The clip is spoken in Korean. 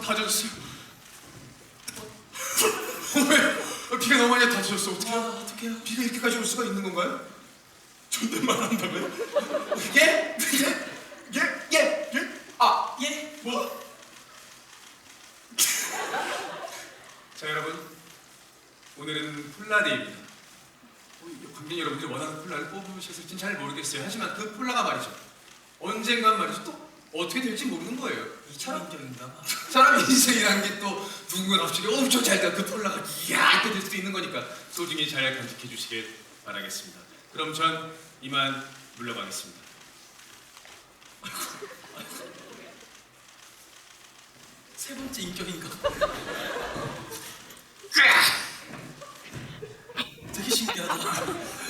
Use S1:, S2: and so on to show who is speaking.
S1: 다 젖었어요. 왜? 비가 너무 많이 다 젖었어. 어떡해요?
S2: 어떡해요?
S1: 비가 이렇게까지 올 수가 있는 건가요?
S2: 존댓말 한다고요?
S1: 예? 예? 예? 예? 아,
S2: 예?
S1: 뭐? 자, 여러분, 오늘은 폴라데이입니다. 관객 여러분들이 원하는 폴라를 뽑으셨을진 잘 모르겠어요. 하지만 그 폴라가 말이죠, 언젠간 말이죠, 또 어떻게 될지 모르는 거예요.
S2: 이처럼 인정인가 봐.
S1: 사람 인생이라는 게 또 누군가 갑자기 엄청 잘 돼. 그 폴라가 이야 이렇게 될 수도 있는 거니까 소중히 잘 간직해 주시길 바라겠습니다. 그럼 전 이만 물러가겠습니다.
S2: 세 번째 인격인가? 되게 신기하다.